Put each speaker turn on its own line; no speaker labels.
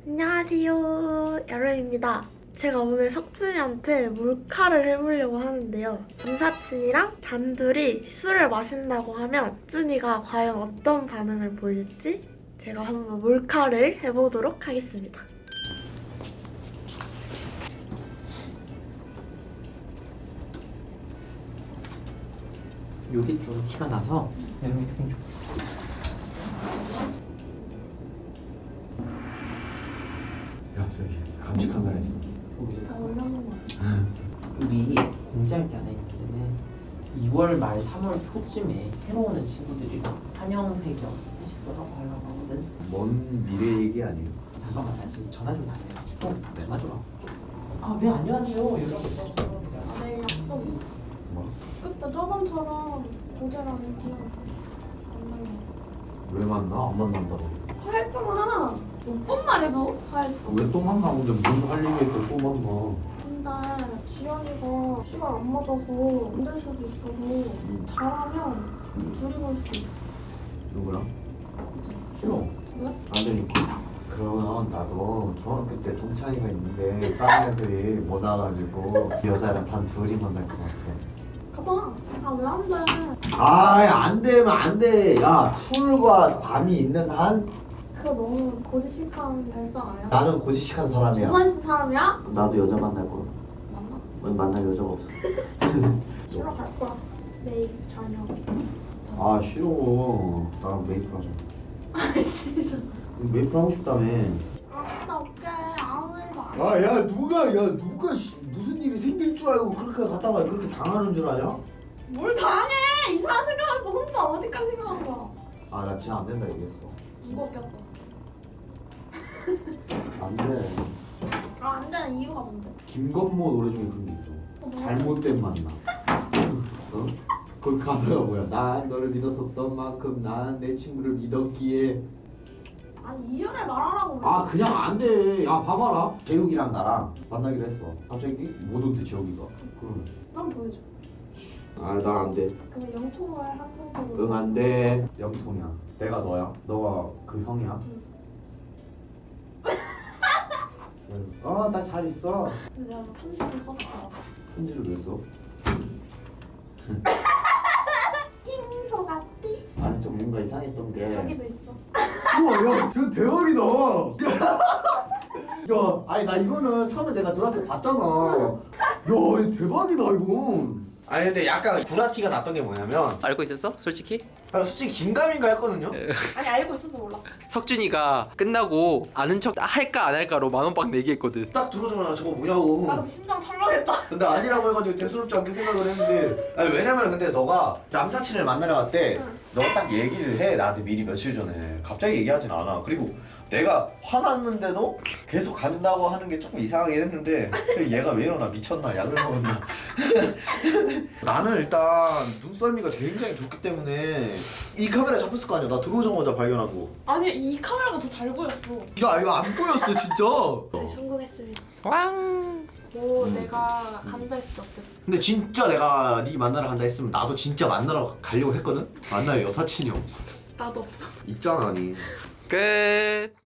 안녕하세요, 여름입니다. 제가 오늘 석준이한테 몰카를 해보려고 하는데요. 남사친이랑 단둘이 술을 마신다고 하면 석준이가 과연 어떤 반응을 보일지 제가 한번 몰카를 해보도록 하겠습니다.
여기 좀 티가 나서 이렇게 좀
야, 저기 감시 카메라 있어.
우리 공지할 게 하나 있기 때문에 2월 말 3월 초쯤에 새로 오는 친구들이랑 환영 회견 회식도 하고 하려고 하거든.
먼 미래 얘기 아니에요?
잠깐만, 나 지금 전화 좀 받아요. 전화 좀 와. 네, 안녕하세요. 여러분.
내일 약속 있어.
뭐?
그때 저번처럼 고재랑 이지영 만나요.
왜 만나? 안 만난다고.
화했잖아. 몇 번 말해줘, 화했어.
왜 또 만나? 근데 뭔할 얘기했고 또 만나.
근데 지연이가 시간 안 맞아서 안 될 수도 있어서 잘하면 둘이 볼 수도 있어.
누구랑? 싫어.
왜?
안 되니까. 그러면 나도 중학교 때 동창이가 있는데 다른 애들이 못 와가지고 그 여자랑 단 둘이 만날 것 같아.
가봐. 아, 왜 안 돼?
안 되면 안 돼. 야, 술과 밤이 있는 한
그거 너무 고지식한 발상 아니야?
나는 고지식한 사람이야.
조선시 사람이야?
나도 여자 만날 거야.
맞나?
만날 여자가 없어.
쉬러 갈 거야. 내일 저녁.
아 싫어. 나랑 메이플 하자.
아, 싫어.
메이플 하고 싶다며.
아, 나 어깨 아무 일도 안 해.
야 누가 무슨 일이 생길 줄 알고 그렇게 갔다가 그렇게 당하는 줄 아냐?
뭘 당해! 이상한 생각했어. 혼자 어디까지 생각한 거야?
아 나 진짜 안 된다 얘기했어.
누가 웃겼어?
안 돼.
아, 안 되는 이유가 뭔데?
김건모 노래 중에 그런 게 있어.
뭐야?
잘못된 만남. 어? 거기 가사가 뭐야? 난 너를 믿었었던 만큼 난 내 친구를 믿었기에.
아니, 이유를 말하라고. 왜?
아 그냥 안 돼. 야 봐봐라. 재욱이랑 나랑 만나기로 했어. 갑자기 못 온대 재욱이가. 그러면.
난 보여줘.
아 난 안 돼.
그러면 영통을 한 상태로.
응 안 돼. 영통이야. 내가 너야. 너가 그 형이야. 나 잘 있어.
근데 내가 편지를 썼어.
편지를 왜 써?
흰소 같디?
아니 좀 뭔가 이상했던 게.
여기도 있어.
우와 야 저 대박이다. 야 아니 나 이거는 처음에 내가 들어왔을 때 봤잖아. 야 이거 대박이다 이거. 아니 근데 약간 구라티가 났던 게 뭐냐면
알고 있었어? 솔직히?
솔직히 긴가민가 했거든요.
아니, 알고 있어서 몰랐어.
석준이가 끝나고 아는 척 할까 안 할까로 10,000원 내기했거든.
딱 들어오자마자 저거 뭐냐고.
나 근데 심장 철렁했다.
근데 아니라고 해가지고 대수롭지 않게 생각을 했는데 아니 왜냐면 근데 너가 남사친을 만나러 갔대.
응.
너가 딱 얘기를 해 나한테 미리 며칠 전에. 갑자기 얘기하진 않아. 그리고 내가 화났는데도 계속 간다고 하는 게 조금 이상하긴 했는데 얘가 왜 이러나 미쳤나 약을 먹었나. 나는 일단 눈썰미가 굉장히 좋기 때문에 이 카메라에 잡혔을 거 아니야. 나 들어오자마자 발견하고.
아니, 이 카메라가 더 잘 보였어.
야 이거 안 보였어 진짜.
네, 성공했습니다.
왕!
뭐 내가 간다 했을 때 어땠어?
근데 진짜 내가 네 만나러 간다 했으면 나도 진짜 만나러 가려고 했거든? 만날 여사친이 없어.
나도 없어.
있잖아 니.
끝.